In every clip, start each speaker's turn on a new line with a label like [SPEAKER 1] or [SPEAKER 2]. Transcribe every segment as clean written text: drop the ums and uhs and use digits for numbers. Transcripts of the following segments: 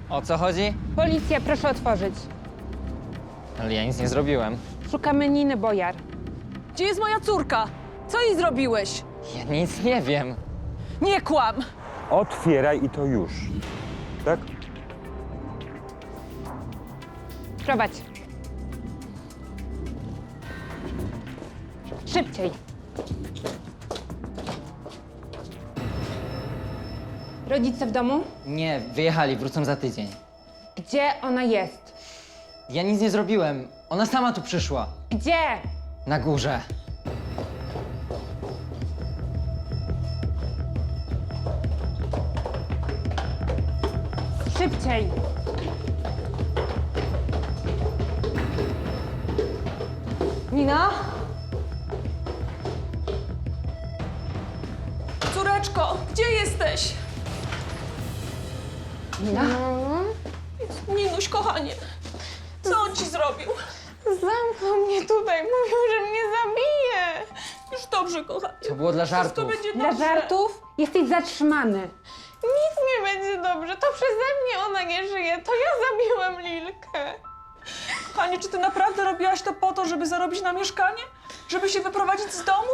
[SPEAKER 1] O co chodzi?
[SPEAKER 2] Policja, proszę otworzyć.
[SPEAKER 1] Ale ja nic nie zrobiłem.
[SPEAKER 2] Szukamy Niny Bojar.
[SPEAKER 3] Gdzie jest moja córka? Co jej zrobiłeś?
[SPEAKER 1] Ja nic nie wiem.
[SPEAKER 3] Nie kłam!
[SPEAKER 4] Otwieraj i to już. Tak?
[SPEAKER 2] Prowadź. Szybciej. Rodzice w domu?
[SPEAKER 1] Nie, wyjechali, wrócą za tydzień.
[SPEAKER 2] Gdzie ona jest?
[SPEAKER 1] Ja nic nie zrobiłem. Ona sama tu przyszła.
[SPEAKER 2] Gdzie?
[SPEAKER 1] Na górze.
[SPEAKER 2] Szybciej.
[SPEAKER 3] Nina? Córeczko, gdzie jesteś?
[SPEAKER 2] Nina?
[SPEAKER 3] Ninuś, kochanie, co on ci zrobił?
[SPEAKER 5] Zamknął mnie tutaj, mówił, że mnie zabije.
[SPEAKER 3] Już dobrze, kochanie.
[SPEAKER 1] To było dla
[SPEAKER 3] Wszystko
[SPEAKER 1] żartów.
[SPEAKER 3] będzie
[SPEAKER 2] Dla
[SPEAKER 3] dobrze.
[SPEAKER 2] żartów? Jesteś zatrzymany.
[SPEAKER 5] Nic nie będzie dobrze, to przeze mnie ona nie żyje, to ja zabiłam Lilkę.
[SPEAKER 3] Kochanie, czy ty naprawdę robiłaś to po to, żeby zarobić na mieszkanie? Żeby się wyprowadzić z domu?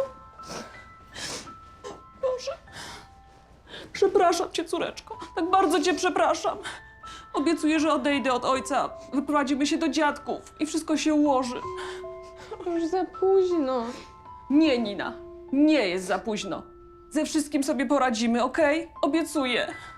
[SPEAKER 3] Boże. Przepraszam cię, córeczko. Tak bardzo cię przepraszam. Obiecuję, że odejdę od ojca. Wyprowadzimy się do dziadków i wszystko się ułoży.
[SPEAKER 5] Już za późno.
[SPEAKER 3] Nie, Nina. Nie jest za późno. Ze wszystkim sobie poradzimy, okej? Obiecuję.